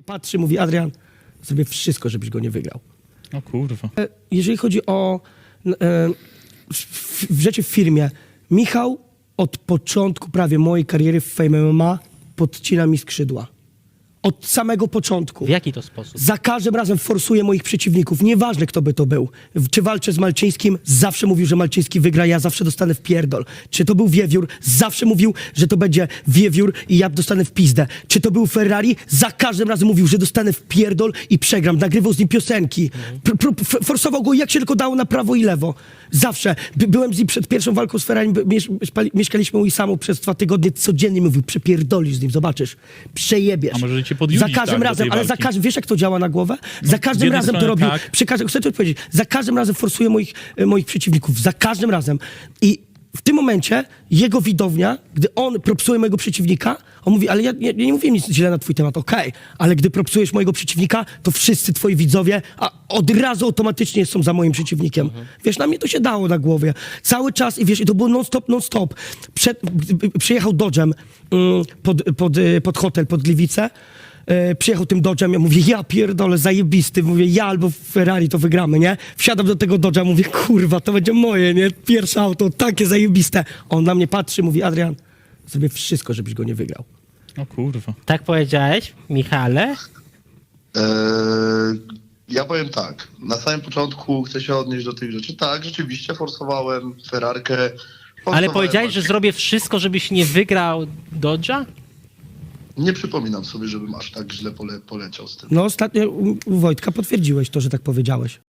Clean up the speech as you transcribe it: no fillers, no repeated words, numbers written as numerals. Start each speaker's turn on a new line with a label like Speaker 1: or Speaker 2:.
Speaker 1: Patrzy, mówi: Adrian, zrobię wszystko, żebyś go nie wygrał.
Speaker 2: O kurwa.
Speaker 1: Jeżeli chodzi o rzeczy w firmie, Michał od początku prawie mojej kariery w Fame MMA podcina mi skrzydła. Od samego początku.
Speaker 3: W jaki to sposób?
Speaker 1: Za każdym razem forsuje moich przeciwników. Nieważne, kto by to był. Czy walczę z Malczyńskim, zawsze mówił, że Malczyński wygra, ja zawsze dostanę w pierdol. Czy to był Wiewiór, zawsze mówił, że to będzie Wiewiór i ja dostanę w pizdę. Czy to był Ferrari, za każdym razem mówił, że dostanę w pierdol i przegram. Nagrywał z nim piosenki. Forsował go jak się tylko dało na prawo i lewo. Zawsze. Byłem z nim przed pierwszą walką z Ferrari, mieszkaliśmy u Isamu przez 2 tygodnie, codziennie mówił: przepierdolisz z nim, zobaczysz. Przejebiesz.
Speaker 2: A może cię podjudzić,
Speaker 1: za każdym
Speaker 2: tak,
Speaker 1: razem,
Speaker 2: do tej
Speaker 1: ale za
Speaker 2: walki?
Speaker 1: każdym, wiesz jak to działa na głowę?
Speaker 2: No,
Speaker 1: Za każdym
Speaker 2: z jednej
Speaker 1: razem to
Speaker 2: strony
Speaker 1: robił,
Speaker 2: tak.
Speaker 1: chcę ci odpowiedzieć, za każdym razem forsuje moich przeciwników, za każdym razem. I w tym momencie jego widownia, gdy on propsuje mojego przeciwnika, on mówi: ale ja nie mówię nic źle na twój temat, okej, ale gdy propsujesz mojego przeciwnika, to wszyscy twoi widzowie od razu automatycznie są za moim przeciwnikiem. Wiesz, na mnie to się dało na głowie. Cały czas, i wiesz, i to było non-stop. Przyjechał Dodge'em pod hotel, pod Gliwice. Przyjechał tym Dodge'em, ja mówię: ja pierdolę, zajebisty, mówię: ja albo Ferrari to wygramy, nie? Wsiadam do tego Dodge'a, mówię: kurwa, to będzie moje, nie? Pierwsze auto, takie zajebiste. On na mnie patrzy, mówi: Adrian, zrobię wszystko, żebyś go nie wygrał.
Speaker 2: O kurwa.
Speaker 3: Tak powiedziałeś, Michale?
Speaker 4: Ja powiem tak, na samym początku chcę się odnieść do tych rzeczy. Tak, rzeczywiście forsowałem Ferrarkę.
Speaker 3: Ale
Speaker 4: forsowałem
Speaker 3: powiedziałeś, że
Speaker 4: Maciek.
Speaker 3: zrobię wszystko, żebyś nie wygrał Dodge'a?
Speaker 4: Nie przypominam sobie, żebym aż tak źle poleciał z tym.
Speaker 1: No ostatnio u Wojtka potwierdziłeś to, że tak powiedziałeś.